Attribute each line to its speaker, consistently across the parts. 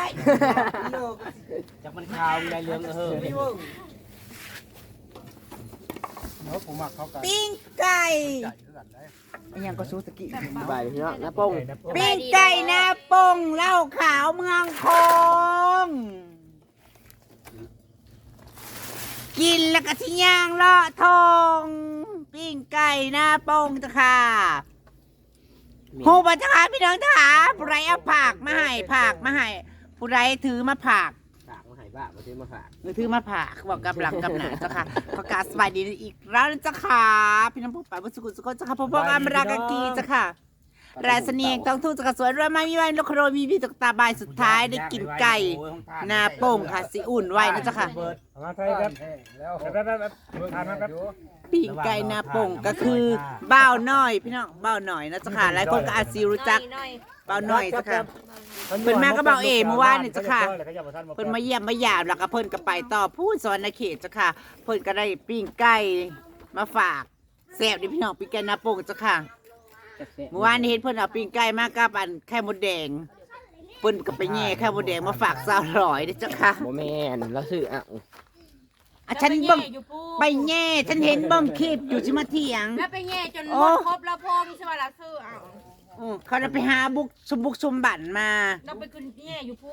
Speaker 1: จากมันขาวมีลายเหลือง
Speaker 2: เนาะผมมักเขากัน
Speaker 3: ปิ้งไก่
Speaker 2: ใหญ่คือกันได้
Speaker 3: ยังก็ซูตะกี้
Speaker 4: บ่ายพี่น้องน้าป้ง
Speaker 3: ปิ้งไก่หน้าปงเหล้าขาวเมืองคงกินแล้วก็สิย่างเลาะทองปิ้งไก่หน้าปงจ้ะค่ะฮูบัตค่ะพี่น้องจ๋าผู้ใดเอาผักมาให้ผักมาให้ผู้ใดถือมาผัก
Speaker 4: ฝากมาให้บ้ามาซื้อมาฝาก
Speaker 3: มือถือมาผักบอกกับหลังกับหนาจ้ะค่ะประกาศสบายดีอีกแล้วนะจ้ะค่ะพี่น้องผู้ป่าผู้สุขุสุขจ้ะค่ะพ่อพ่ออมรากากีจ้ะค่ะราสเนียงต้องทุ่งจ้ะค่ะสวยรวยมามีไว้ลูกโรมีพี่ตกตาบายสุดท้ายได้กินไก่หนาโป่งค่ะสิอุ่นไว้นะจ้ะค่ะ
Speaker 2: มาไทยครับแล้วทานนะครับ
Speaker 3: ปิ้งไก่หนาโป่งก็คือบ้าวน้อยพี่น้องบ้าวน้อยนะจ้ะค่ะหลายคนก็อาจสิรู้จักบ้าวน้อยจ้ะค่ะเพิ่นมาก็เบาเอเมื่อวานนี่จ้ะค่ะเพิ่นมาเยี่ยมมาหยามแล้วก็เพิ่นก็ไปต่อพูดสอนในเขตจ้ะค่ะเพิ่นก็ได้ปิ้งไก่มาฝากแซ่บดิพี่น้องปิ้งไก่หนาโป่งจ้ะค่ะเมื่อวานนี้เห็นเพิ่นเอาปิ้งไก่มากับอันไข่มดแดงเพิ่นก็ไปแย่ไข่มดแดงมาฝากสาวร้อยเด้อจ้ะค่ะ
Speaker 4: โมแมนแล้วซื้ออ่ะ
Speaker 3: อ่ะฉันเบิ่งไปแย่ฉันเห็นเบิ่งคลิปอยู่สิมาเถียง
Speaker 5: แล้วไปแง่จนหมดครบแล้วพอมีสวัสดิ์ซื้อเอา
Speaker 3: เขาจะไปหาบุกสมบัติมา
Speaker 5: เราไปขึ้นแง่อยู่พูด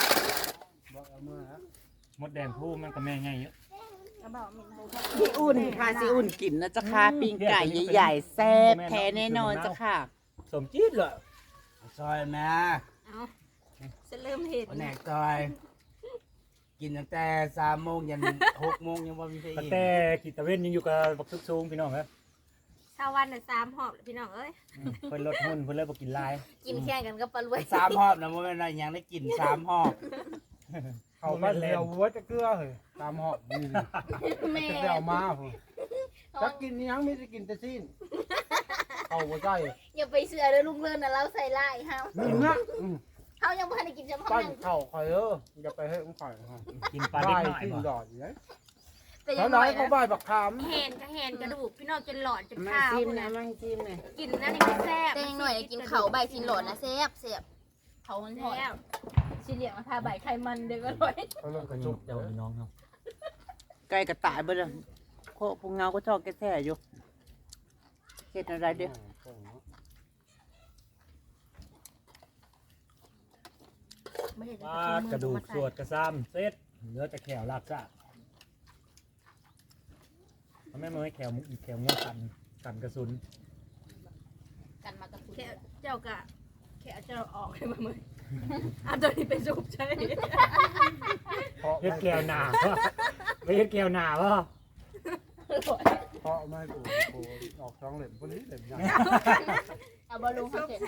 Speaker 2: มดแดงผู้มันก็แม่ง่ายเยอะ
Speaker 3: ซีอุ่นค่ะซีอุ่นกินนะจ๊ะค่ะปิ้งไก่ใหญ่ๆแซ่บแท้แน่นอนจ้ะค่ะ
Speaker 2: สมจี๊ดเลย
Speaker 1: ซอยแม่
Speaker 5: จะเริ่มเห็น
Speaker 1: แหนกซอยกินตั้งแต่3 โมงยัน6 โมงยังว่ามีใคร
Speaker 2: ตั้ง
Speaker 1: อีก
Speaker 2: แต่ขีดตะเวนยังอยู่กับบักซุกซูงพี่น้องครับ
Speaker 5: ชาววันน่ะ3 หอบพี่น้องเอ้ย
Speaker 2: เพิ่นลดหุ้นเพิ่นเลยบ่กินลาย
Speaker 5: กินแข่งกันก็ปลารวย
Speaker 1: 3 หอบนะมันเป็นอะไรยังได้กิน3 หอบ
Speaker 2: เขาบ้านเร็ววัวจะเกลือเหรอตามหอบนี่
Speaker 5: แม่
Speaker 2: จะเอามาผมจะกินยังไม่ได้กินแต่สิ้นเอาหัวใจ
Speaker 5: อย่าไปเสือเลยลุงเลินน่ะเราใส่ลายเฮา
Speaker 2: นี่นะ
Speaker 5: เฮายังบ่ทันได้กินจำ
Speaker 2: ปั้
Speaker 5: เฮาน
Speaker 2: เข่าคอยอย่าไปให้อุ้งข่อยกินปลาเล็กน้อยบ่ดอดอยู่เลย
Speaker 5: แต่ยั
Speaker 2: เขา
Speaker 5: ง
Speaker 2: ได้
Speaker 5: น้อย
Speaker 2: เขาบ่ายบักขาม
Speaker 5: แหนก็แหนกระดูกพี่น้องจนหลอดจน
Speaker 3: มา
Speaker 5: ข้าว
Speaker 3: จิ้มนะมาจิ้มนะ
Speaker 5: กินนั่นนี่แซ่บ
Speaker 6: แต่ยังหน่อยกินเขาใบสินหลอดนะแซ่บเขามันหอด
Speaker 5: แล้ว
Speaker 6: สิเหลียงมาทาใบไข่มันเด็กก็ร้อย
Speaker 2: เขาเริ่มกระจุก
Speaker 1: เดี๋ยวน้องเนาะ
Speaker 3: ไก่กระต่ายเบ่เลยโคพงเงาก็ชอบแก่แท้อยู่เฮ็ดอะไรเด้อ
Speaker 2: ปลากระดูกสวดกระซ้ำเซ็ตเนื้อจะแขวลากซ่าทำไมมันไม่แขวเงี้ยกันกระสุน
Speaker 6: กันมากระสุน
Speaker 5: แค่เจ้ากะแค่เจ้าออกให้มามื้อเอาตัวนี้ไปสูบใช่
Speaker 2: เฮ็ดแก้วหนาวะไม่เฮ็ดแก้วหนาวะเพราะไม่กูออกท้องเหล่มพวกนี้เหล่มใหญ่
Speaker 6: เอาบอลลูนเขาเสร็จ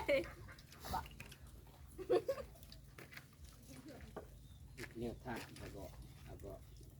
Speaker 4: เนี่ยท่าแล้วก็แล้วก็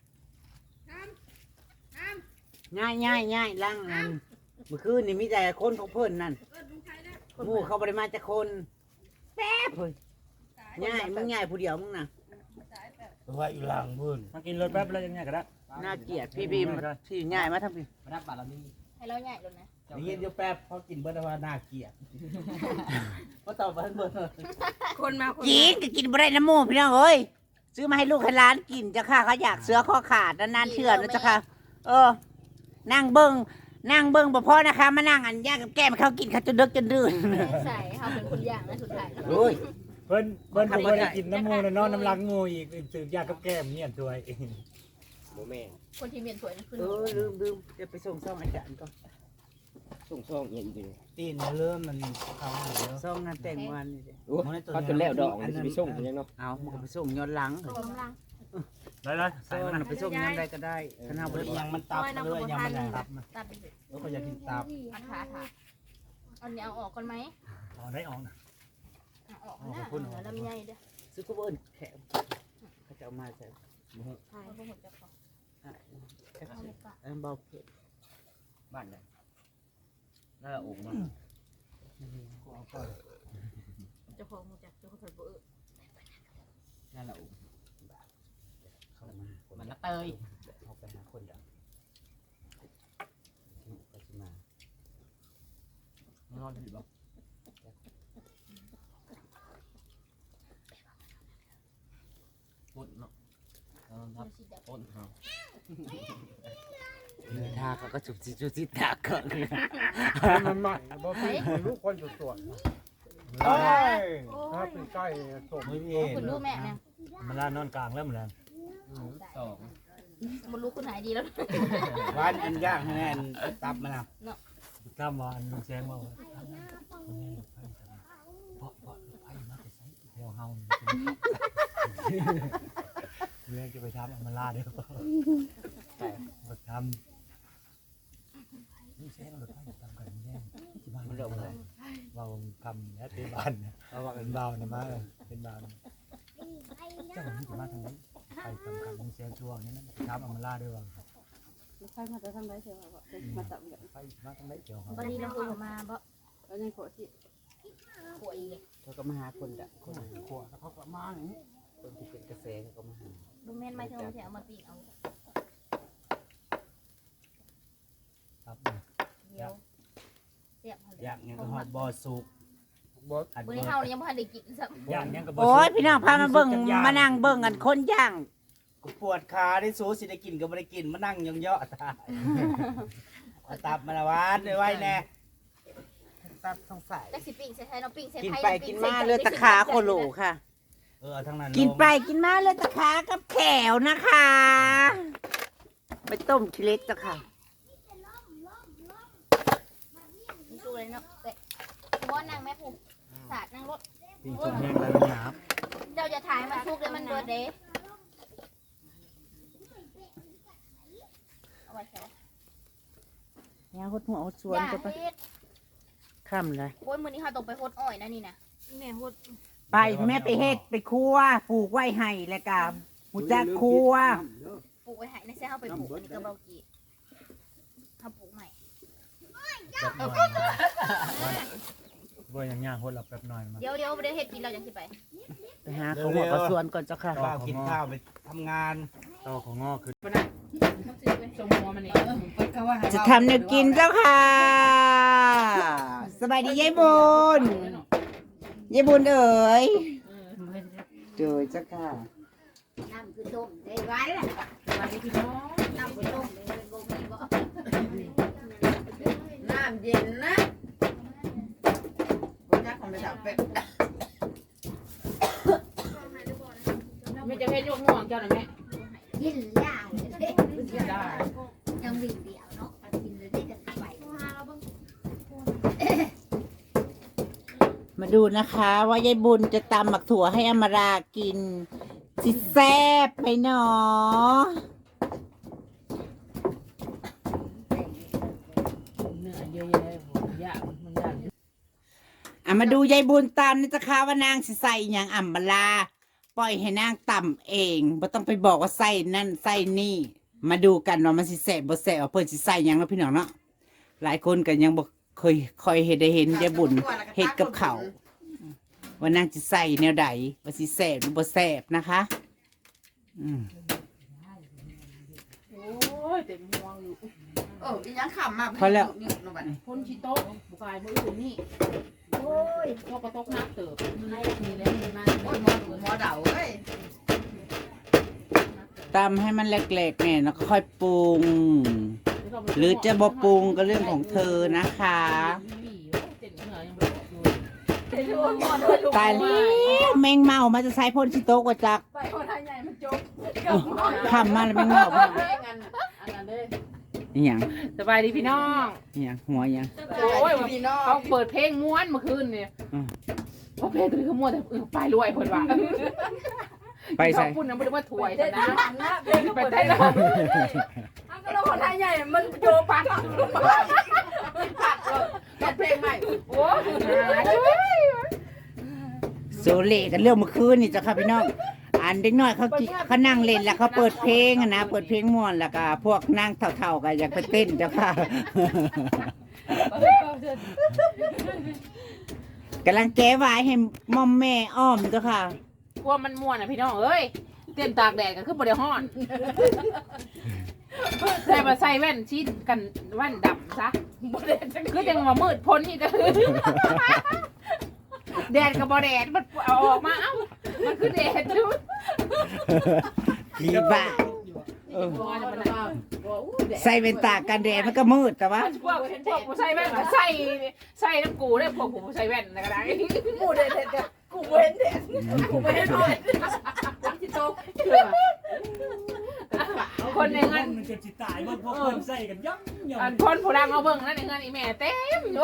Speaker 3: ง่ายล่างนั่นเมื่อคืนนี่มีแต่คนของเพิ่นนั่นหมู่เขาบ่ได้มาจากคนแป๊บเพิ่นง่ายมึงง่ายผู้เดียวมึงน่ะ
Speaker 1: ว่าอยู่หลังพุ่น
Speaker 2: มากินรถแป๊บแล้วยังไงก็ได้
Speaker 3: น่าเกลียดพี่บีมที่ง่ายมาทั้งพี่
Speaker 1: มาดับบาลามี
Speaker 6: ให้เราใหญ่ลงนะ
Speaker 1: นี่เดี๋ยวแป๊บเขากินเบิร์ดว่าน่าเกลียดเพราะต่อไปเบิร์ด
Speaker 5: คนมาคน
Speaker 3: กินก็กินบ่ได้น้ำหมูพี่น้องเอ้ยซื้อมาให้ลูกให้หลานกินจ้ะค่ะเขาอยากเสือข้อขาดนานๆเชื่อนะจ้ะค่ะนั่งเบิ่งบ่พอนะคะมานั่งอันย่างกับแก้มเขากินเขาจนดึกจนดื่น
Speaker 6: ใส่เขาเป็นคนอย่างนะสุดท้าย
Speaker 3: โอ้ย
Speaker 2: เพิ่นผมก็ได้กินน้ำมูนอนน้ำลังงูอีกตื่นยากกับแก้มเนี่ยตัวเอง
Speaker 4: โมแมน
Speaker 6: คนที่เมียนสวยนั่นคือ
Speaker 3: ลืมเดี๋ยวไปส่งซ่องอาจารย์ก่อน
Speaker 4: ส่งเงี้ยอีกเลย
Speaker 1: ตีนเริ่มมันเขาเยอะ
Speaker 3: ซ่องงานแต่งวันนี่สิ
Speaker 4: โอ้เขาจนแล้วดอกมันจะไปส่งยังเนาะ
Speaker 3: เอามันก็ไปส่งย้อนหลัง
Speaker 6: กำลัง
Speaker 2: ได้
Speaker 3: ซ่องไปส่งย้อนใดก็ได้คณะบริ
Speaker 1: ยั
Speaker 3: วาง ร
Speaker 1: มันตับเลยยังมันตับ
Speaker 6: ตัดไปเลย
Speaker 1: แล้วก็อยากกินตับ
Speaker 6: อันขาอันนี้เอาออกก่อนไหม
Speaker 2: อ๋อได้ออกนะ
Speaker 6: ออกนะแล้วมีใหญ่เด้อ
Speaker 3: ซื้อกูเบิ้ลแขกเขาจะเอามาใส่
Speaker 6: ใช่พวกผมจะขอ
Speaker 3: เบาเผ็ด
Speaker 1: บ้านไหนน่าจะอกมัน
Speaker 6: จะพอมูจักจะขอถัดเบอร์
Speaker 1: น่าจะอกเข้ามามันละเตย
Speaker 3: เอาไปหาคนเดียวก็จะมา
Speaker 1: ไม่รอดผิดหรอก
Speaker 3: เ
Speaker 2: ปุ่นเนาะทับปุ่นครับ
Speaker 3: ทาเขาก็จุบจิตาก่อน
Speaker 2: มันใหม่บ่พี่ลูกคนสวย
Speaker 1: โอ้ย
Speaker 2: ถ้าเป็นใกล้สม
Speaker 1: ไม่มี
Speaker 6: คุณรู้แม่เนี่ย
Speaker 2: มันลานอนกลางแล้วมันแล้ว
Speaker 4: สอง
Speaker 6: มันรู้คุณหายดีแล้ว
Speaker 1: วันอันย่างแน่นตับมันนะ
Speaker 2: ข้ามวันแซงว่าเพราะไฟมาไปใส่แถวเฮาเรื่องจะไปทำมันลาเด้อไปทำนี่แซงรถไฟทำกันแย่ที่บ้านมันเรื่องอะไรเราทำแล้วที่บ้านเราว่าเป็นเบาเนี่ยมาเป็นเบาเจ้าหนี้จะมาทางนี้ไปทำกันนี่แซงช่วงนี้นะทำมันลาด้วยว่า
Speaker 5: ใครมาจะทำไรเชียวมาตับกัน
Speaker 2: ไปมาทางไหนเกี่ยวครับ
Speaker 6: วันนี้เราคุยมาบ่
Speaker 5: แล้วยังขอสิ
Speaker 6: ป่วยอีก
Speaker 3: เขาก็มาหาคนละคน
Speaker 2: ขวดแล้วเขาก็มาอย่างนี้
Speaker 3: คนที่เป็นกระแสเขาก็มาหา
Speaker 6: บุแม่นไม่เท่าไหร่เอามาปีกเอา
Speaker 2: ครับ
Speaker 6: เดียวเสียบ
Speaker 1: อยากเนี่ยก็ฮอดบ่อสุก
Speaker 2: บอส
Speaker 1: อัน
Speaker 6: วัน
Speaker 1: บ่
Speaker 6: นี้เฮายังบ่ทันได้กินซ้ำ
Speaker 2: ย่างยังกับ
Speaker 3: โอ้ยพี่น้องพามาเบิ่งมานั่งเบิ่งกันคนย่าง
Speaker 1: กูปวดขาได้สูสิได้กินก็บ่ได้กินมานั่งยองเยาะตายเอาตับมาละวานไว้แน่
Speaker 3: ตับสงสัย
Speaker 6: จักสิปิ้งใส่ไทยเนาะปิ้งใส่
Speaker 3: กิน
Speaker 6: ไทย
Speaker 3: ไปกินมาเลือดตะขาโคโลค่ะ
Speaker 1: เอาทั้งนั้น
Speaker 3: กินไปกินมาเลือดตะขากับแขวนะคะ ไปต้มทีเล็กจ้ะค่ะ
Speaker 6: นี่สู้เลยเนาะแต่บ่นั่งแม่ผู้สาดนั่งรถ
Speaker 2: ปีชมแห้งแล้วหนา
Speaker 6: เจ้าจะถ่ายมาทุกเลยมันเบิดเด้เอาไว้แค่
Speaker 3: เนี่ยหดหัวหดสวน
Speaker 6: อย่า
Speaker 3: ก็ไป
Speaker 6: เฮ็ด
Speaker 3: ค่ำเลย
Speaker 6: โอ้ยมื้อนี้เฮาต้องไปโฮดอ้อยนะนี่นะแม่โฮด
Speaker 3: ไปแม่ไปเฮ็ดไปครัวปลูกไว้ให้แล้วก็หูจักครัว
Speaker 6: ปลูกไว้ให้ในแซ่เฮาไปปลูกอันนี้ก็เบากี้เฮาปลูกใหม่
Speaker 2: ว่าอย่างย่างคนหลับแบบหน่อยมา
Speaker 6: เดี๋ยวบ่ได้เฮ็ดกินเราจังสิไป
Speaker 3: ไปหาเขาหัวกระสวนก่อนเจ้าค่ะ
Speaker 1: ข้าวกินข้าวไปทำงาน
Speaker 2: ต่อของงอคือ
Speaker 3: จะทำแนวกินเจ้าค่ะ สบายดียายบุญยายบุญเอ๋ยเจอเจ้าค่ะ
Speaker 6: น้ำคือต้มได้ไว้ล่ะวันนี้พี่น้องน้ำคือต้มเลยบ่มีบ่น้ำเย็นนะบ่จักของไปสับเป็ด
Speaker 5: ไม่จะให้ลูกง่วงเจ้าหน่อยแม่
Speaker 6: กินยาวเลยยังวิ่งเดียวเนาะกินเลยได้กันไป
Speaker 3: มาดูนะคะว่ายายบุญจะตำหมักถั่วให้อมรากินสิแซ่บไหมเนาะ
Speaker 5: เหนื่อยเยอะแยะยากมันยาก
Speaker 3: มาดูยายบุญตำนี่จะค่ะว่านางสิใส่หยังอมราปล่อยให้นางตำเองไม่ต้องไปบอกว่าใส่นั่นใส่นี่ มาดูกันว่ามันสิแซ่บบ่แซ่บว่าเพิ่นสิใส่หยังเนาะพี่น้องเนาะหลายคนก็ยังบ่เคยเห็นได้เห็นยายบุญเฮ็ดกับเขาวว่านางสิใส่แนวใดว่าสิแซ่บหรือบ่แซ่บนะคะอืม
Speaker 5: โอ้ยเต็มห่วงอยู่
Speaker 6: อีหยังขำมา
Speaker 3: พอแล้ว
Speaker 5: คนชิโต๊ะบุกายมืออื่นนี่โอ้ยพอกระตกน้ำเติบมีแล้วมีมาหมอเดาเอ้ย
Speaker 3: ตำให้มันแหลกๆเนี่ยแล้วก็ค่อยปรุง หรือจะบ่ปรุงก็เรื่องของเธอนะคะ ตายแล้วแมงเมามาจะใช้พ่นชิโต๊ะกว่าจัก
Speaker 5: ไปคนไทยใหญ่มันจบ
Speaker 3: ทำมาแล้วแมงเมาบ่
Speaker 5: อันนั้นเลย
Speaker 3: อีหยัง
Speaker 5: สบายดีพี่น้อง
Speaker 3: อีหยังหัวอีหยัง
Speaker 5: โอ้ยเขาเปิดเพลงม้วนเมื่อคืนเนี่ยเพราะเพลงตัวนี้เขาม้วนแต่ไปรวยคนว่า
Speaker 3: ไปใส่
Speaker 5: เขาพูดนะไม่ได้ว่าถวยนะไปได้แล้วก็เราคนไทยใหญ่มันโยปักปักเลยเพลงใหม่โอ้ย
Speaker 3: โซเล่กันเรื่องเมื่อคืนนี่จ้ะค่ะพี่น้องอันเด็กน้อยเขานั่งเล่นแล้วเขาเปิดเพลงอะนะเปิดเพลงม่วนแล้วก็พวกนั่งเท่าๆกันอยากไปเต้นเจ้าค่ะกำลังแก้วายให้มอมแม่อ้อมเจ้าค่ะ
Speaker 5: กลัวมันม่วนอ่ะพี่น้องเอ้ยเต้นตากแดดก็คือบ่ได้ฮ้อนใส่มาใส่แว่นชีดกันแว่นดำซะคือจังว่ามืดพ้นนี่ก็คือแดดกับบ่แดดมันเอาออกมาเอ้ามันคือแดดจุด
Speaker 3: ผีบ้า
Speaker 5: บัวมันมาบัวอู้แดด
Speaker 3: ใส่เป็นตากันแดดมันก็มืดแต่ว่า
Speaker 5: พวกผู้ใส่แว่นก็ใส่น้ำกูได้พวกผู้ใส่แว่นนะก็ได้กูเด็ดกูเว้นเด็ดกูเว้นด้วยที่โต๊ะคนในเงิน
Speaker 2: มันจะจิตตายพวกคนใส่กันย่ำ
Speaker 5: อันคนผู้ดังเอาเบิ่งนั่นในเงินอีแม่เต็มอยู่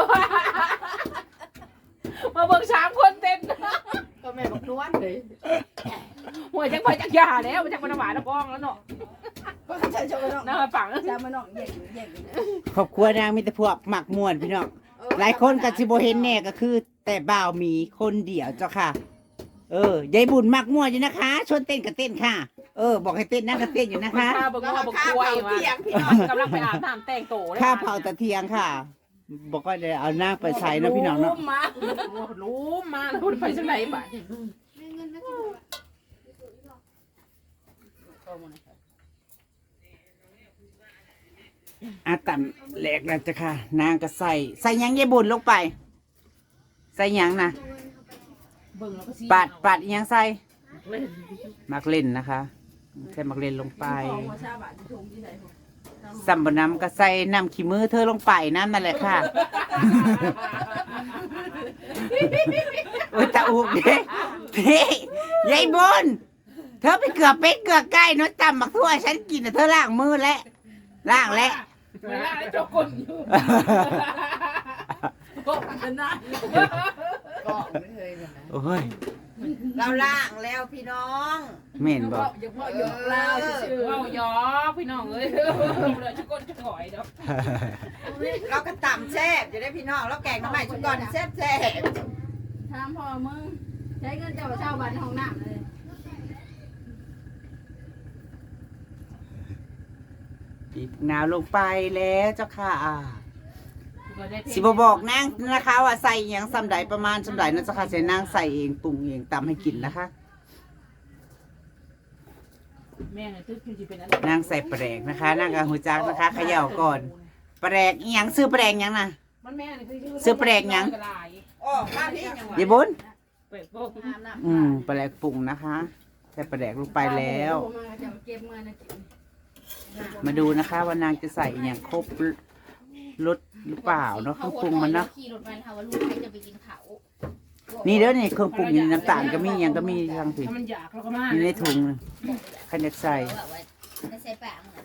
Speaker 5: มาเบิ่ง3 คนเต็มก็แม่บอกนวลเลยหัวจังไปจักยาแล้วจังมันหวานแล้วกองแล้วเนาะก็ใช่ชมเนาะน่าฝังจะมาเนาะแยก
Speaker 3: ครอบครัวนางมีแต่พวกหมักม่วนพี่น้องหลายคนก็สิบ่เห็นแน่ก็คือ แต่บ่าวมีคนเดียวเจ้าค่ะยายบุญหมักม่วนอยู่นะคะชวนเต้นก็เต้นค่ะบอกให้เต้นนั่งก็เต้นอยู่นะคะ
Speaker 5: ข้าบอกว่าบอกกล้วยมากำลังไปอาบน้ำแต่งโตเลย
Speaker 3: ข้าเผาตะเทียงค่ะ บอกว่าได้เอานางไปใส่นะพี่น้องเนาะ
Speaker 5: รู้มาพูดไปจังไหนบ่
Speaker 3: อาตันแหลกแล้วจ้ะค่ะ นางก็ใส่หยังยายบุญลงไป ใส่หยังนะปาดหยังใส่มักเล่นนะคะใส่มักเล่นลงไปสัมบน้ำก็ใส่น้ำขี้มือเธอลงไปนั่นแหละค่ะโอ้ยตาอุกเด้พี่ยายบุญเธอไปเกือบเป็ดเกือบไก่น้อยตำบักทั่วฉันกินแต่เธอล้างมือแล้วล้างแล้ว
Speaker 5: เวลาเจ้าคนอยู่ก็เป็นนะก็ไม่เคยเลยนะ
Speaker 3: โอ้ย
Speaker 6: เราล่างแล้วพี่น้อง
Speaker 3: เหม็นบอก
Speaker 5: อย่าพ่อหยอกเราชื่อเอาหยอกพี่น้องเอ้ยเลยจะก้นจะถอยเนาะ
Speaker 6: เราก็ต่ำแซ่บจะได้พี่น้องแล้วแกงน้ำใหม่ชุดก่อนแซ่บ
Speaker 5: ถามพ่อมึงใช้เงินเจ้าเช่าบ้านห้องน้ำเลย
Speaker 3: บีบนาวลงไปแล้วเจ้าค่ะสิบบอกนางนะคะว่าใส่หยังสำใดประมาณสำใดนะเจ้าค่ะใส่นางใส่เองปรุงเองตำให้กินนะคะ
Speaker 5: แม่เนี่ยตึ๊ดคือเป็นอะไร
Speaker 3: นางใส่แปลกนะคะนางกับหูจักนะคะเขย่าก่อนแปลกอีหยังซื้อแปลกหยังนะ
Speaker 5: มันแม่เนี่ยคือ
Speaker 3: ซื้อแปลกหยัง
Speaker 6: ๆอ๋อมาพี่ยัง
Speaker 3: ยายบุญ
Speaker 5: เปิดโป๊ก
Speaker 3: แปลกปรุงนะคะใส่แปลกลงไปแล้ว มาดูนะคะว่านางจะใส่อหย่างครบรสหรือเปล่าเนาะเครื่องปรุงมันเนาะ
Speaker 6: ขี่รถมันค่ะว่าลูกใครจะไปกินเขา
Speaker 3: นี่เด้อนี่เครื่องปรุงนี่น้ำตาลก็มีหยังก็มีทางผิด
Speaker 5: ถ้ามันอยากเราก็มา
Speaker 3: อยู่ในถุงขันอยากใส่
Speaker 6: ไม่ใช่ปากเหมือน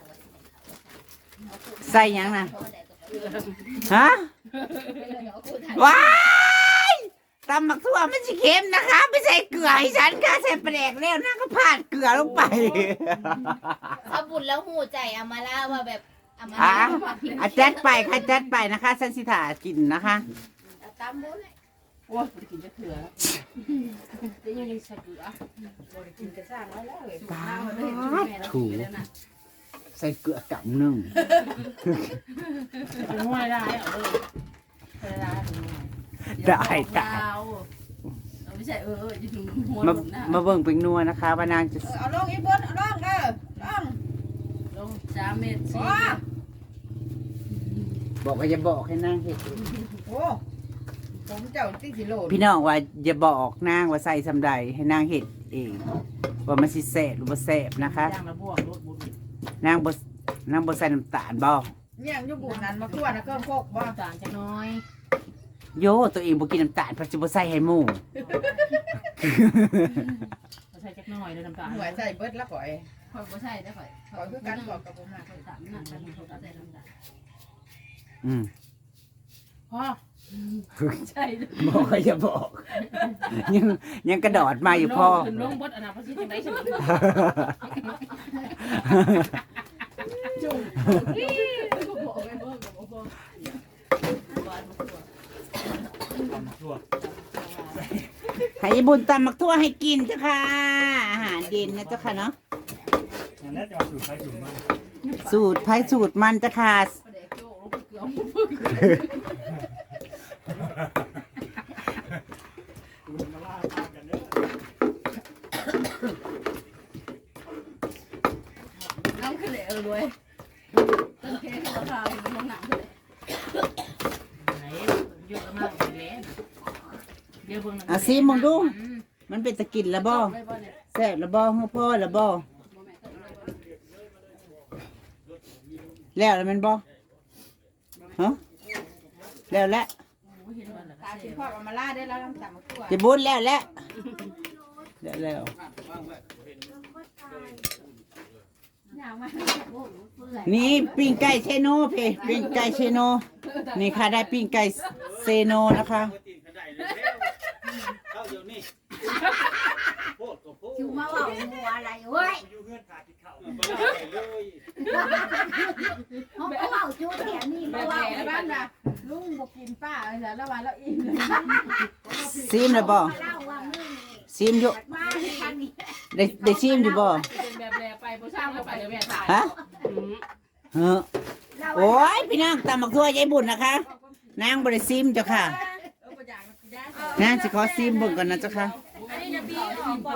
Speaker 3: ใส่หยังนะฮะว้ายตำหมักทั่วมันสิเค็มนะคะ ไม่ใส่เกลือให้ฉันค่ะใส่แปลกแล้วนางก็พาดเกลือลงไป
Speaker 6: เอาบุญแล้วหูใจอามาล่าว่าแบบอามา
Speaker 3: อ่ะ
Speaker 6: ล่า
Speaker 3: จัดไปค่ะจัดไปนะคะสันสิถากินนะคะ
Speaker 6: ตามบุญ
Speaker 5: โอ้ยกินจะเถื่อจะยังใส่เกลือกินกระซ่างแล้วเลย
Speaker 3: ถูใส่เกลือกำหนึ่ง
Speaker 5: ถึงห้วยได้เอาเลยได้
Speaker 3: ได้จ้ะ
Speaker 5: ไม่ใช่อยู่ถึงหัว
Speaker 3: มา
Speaker 5: หลุมนะ
Speaker 3: มาเบิ่งเป็นนัวนะคะ ว่านางจะ
Speaker 6: เอาลงอีบุญเอาลงลง
Speaker 5: ลง3 เมตร
Speaker 6: โอ้
Speaker 3: บอกว่าอย่าบอกให้นางเห็ด
Speaker 6: โหผมเจ้าติ๊กสิโลด
Speaker 3: พี่น้องว่าอย่าบอกนางว่าใส่สำใดให้นางเห็ดเองว่ามันสิแสบหรือบ่แสบนะคะ
Speaker 5: ย่างละบวกรถบุญ
Speaker 3: นางบ่ใส่น้ำตาลบ่
Speaker 6: เนี่ยอยู่บุญนั้นมาทั่วนะเครื่องโคกบ่
Speaker 5: ต่างจะน้อย
Speaker 3: โยตัวเองบ่กินน้ำตาลเพราะจะบ่ใส่ให้หมู่
Speaker 5: ใส่จักน้อยเลยน้ำตาล
Speaker 6: หัวใส่เบิดละก่อย
Speaker 5: ค่อยบ่ใส่ได้ค่อย
Speaker 6: ก่อยคือกันก่อยกับผมนะ
Speaker 5: ค่อยตามนั่นกันเขาใส่น้ำตาล
Speaker 3: อืม
Speaker 5: พ่อใช่
Speaker 3: บอกว่าอย่าบอก ยังกระโดดมาอยู่พ่อ
Speaker 5: ขึ้นลงบดอนาคตสิจังได๋สิจุ่มบอกไปเบิ่งกับบ่
Speaker 2: ทั่ว
Speaker 3: ให้ยายบุญตำมักทั่วให้กินเจ้าค่ะ อาหารเย็นนะเจ้าค่ะเนาะ
Speaker 2: อย่างนั้นจะเอาสูตรใครสูตรมัน
Speaker 3: สูตรไผ่สูตรมันเจ้าค่ะ
Speaker 2: มาล่าตามกันเด้อ
Speaker 5: น้ำขึ้นเลยรวยต้นแค่ราคาอยู่ในหนังเลยไหนเยอะมากเลยเดี๋ยวเบิ่ง
Speaker 3: เอาซิมึงดู มันเป็นตะกินแล้วบ่ซ่บแล้วบ่ฮู้พ่อแล้วบ่แล้วแมันบ่ฮะแล้วแหละ
Speaker 5: ตาสิพ่อเอามาล่าได้แล้วน้ำตาลมาคั่ว
Speaker 3: จะบุญแล้วแล้วแล้ว
Speaker 5: อย่างมา
Speaker 3: นี่ปิ้งไก่เชโนเพปิ้งไก่เชโนนี่ค่ะได้ปิ้งไก่เซโนนะคะ
Speaker 1: เข้าเดี๋ยวนี้โพดก็โพด
Speaker 6: คิวมาว่าหัวอะไรเว้ย
Speaker 1: อยู่เงื่อนขาติดเข่าเลย
Speaker 6: เขาก็ว่าจูเถียนี่
Speaker 5: แบ
Speaker 6: มา
Speaker 5: บ
Speaker 6: ว่า
Speaker 5: แหล่บ้านน่ะลุงบ่กินป้าแล้วแล้ววันแล้วอิ่มเลย
Speaker 3: ซิมแล้วบ่
Speaker 6: เล่าว่ามึง
Speaker 3: ซิมอยู่
Speaker 6: มาที่ทางนี้
Speaker 3: ได้ซิมอยู่บ่
Speaker 5: เป็นแบบแหล่ไปบ่ช่างก็ไปเดี๋ยวแม่ตาย
Speaker 3: ฮะเออโอ้ยพี่นางตำบักทั่วยายบุญนะคะนางบ่ได้ซิมเจ้าค่ะนางสิขอซิมเบิ่งก่อนนะเจ้าค่ะ
Speaker 5: อันนี้จะพี่ออกบ่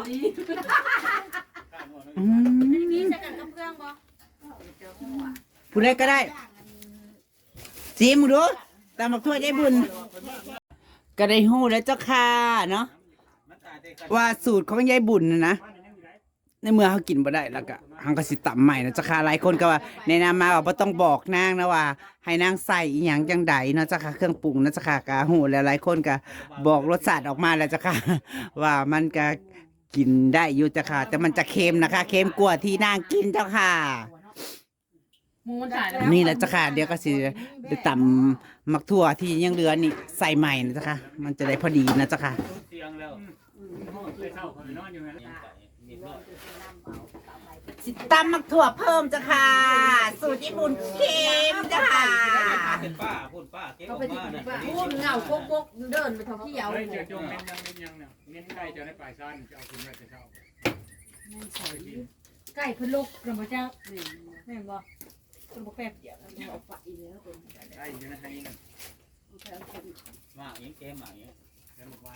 Speaker 3: อืม
Speaker 5: พี่จะกันกับเพื่อนบ่
Speaker 3: ผู้ใดก็ได้ซิมดูตำบักทั่วยายบุญก็ได้ฮู้แล้วเจ้าค่ะเนาะว่าสูตรของยายบุญนะในเมื่อเขากินบ่ได้แล้วก็หังก็สิตำใหม่นะเจ้าค่ะหลายคนก็ว่าแนะนำมาว่าบ่ต้องบอกนางนะว่า ให้นางใส่อีหยังจังใดเนาะเจ้าค่ะเครื่องปรุงนะเจ้าค่ะก็ฮู้แล้วหลายคนก็บอกรสชาติออกมาแล้วเจ้าค่ะ ว่ามันก็กินได้อยู่เจ้าค่ะ แต่มันจะเค็มนะคะเค็มกว่าที่นางกินเจ้าค่ะ
Speaker 5: มูนตายแล้ว
Speaker 3: นี่แหละเจ้าค่ะเดี๋ยวก็สิได้ตำมักทั่วที่ยังเหลือนี่ใส่ใหม่นะเจ้าค่ะมันจะได้พอดีนะเจ้าค่ะ
Speaker 1: เสียงแล้ว
Speaker 3: สิตำมักถั่วเพิ่มจ้ะค่ะสูตรญี่ปุ่นเค็มจ้ะค่ะ
Speaker 1: เป็นป้าพูดป้าเก็บออกมาน่ะ
Speaker 5: พูดเหงาโก๊กๆเดินไปท่องเที่ยว
Speaker 2: เฮ้ยเจอจงเน้นยังเนี่ยเน้นไก่จะได้ปลายซ้ายจะเอาคุณแม่จะเข้า
Speaker 5: ไก่ขึ้นลูกเราบ่เจ้าแม่นบ่คุณบ่แป๊บเดียวเอาไปแล้ว
Speaker 2: ไก่อยู่ในไฮน่ะ
Speaker 1: มาอย่างเกมมาอย่าง
Speaker 2: เดินไว้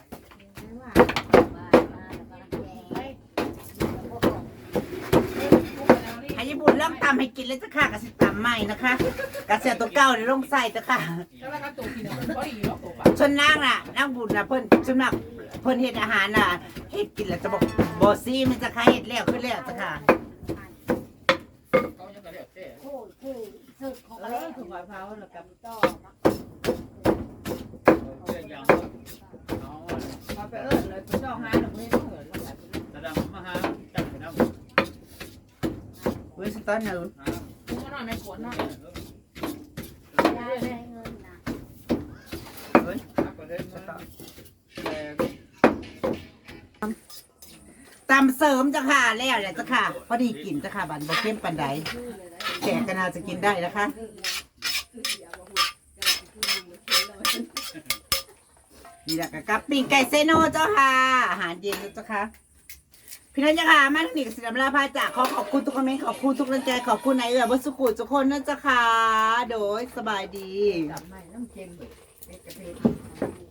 Speaker 3: ให้ญี่ปุ่นเริ่มตำให้กินแล้วจ้ะค่ะกะสิตำใหม่นะคะกะเสียตัวเก่าเดี๋ยวลงใส่จ้ะค่ะ
Speaker 5: แล้วก็ตัวกินมันพอดีเนาะตัวปะ
Speaker 3: ชนนางน่ะนางบุญน่ะเพิ่นชนนักเพิ่นเฮ็ดอาหารน่ะเฮ็ดกินแล้วจะบอกบ่ซีมันจะค่ะเฮ็ดแล้วขึ้นแล้วจ้ะค่ะ
Speaker 5: เขาจะกระเดียดเต้
Speaker 6: โอ้คือสึกของ
Speaker 5: เอ
Speaker 6: เล่
Speaker 5: อถูกเผาแล้วกับ
Speaker 6: ต่อ
Speaker 1: เรื่องยังเอา
Speaker 5: มาไปเลยไปจ้องหาแล้วบ่เห็นเหมือนแล้วแบบ
Speaker 1: แสดงมาหาจับไปน้ำ
Speaker 3: เว้ยสตอนนึง
Speaker 5: กูก็นอนไม่ปวดเนาะ
Speaker 6: ยาได้เงินนะ
Speaker 3: เว้ย ตำเสริมจ้ะค่ะแล้วแหละจ้ะค่ะพอดีกินจ้ะค่ะบันบ่เข้มปานใดแขกก็น่าจะกินได้นะคะนี่แหละก็กับปิ้งไก่เซโนเจ้าค่ะอาหารเย็นเจ้าค่ะพี่น้องจ้าค่ะมาทางนี้ก็สิลำลาพาจากขอบคุณทุกคอมเมนต์ขอบคุณทุกกำลังใจขอบคุณนายเอือวัสุขุทุกคนนะจ้าค่ะโดยสบายดี
Speaker 5: จับไม่น้ำเค็มเลยกระเทียม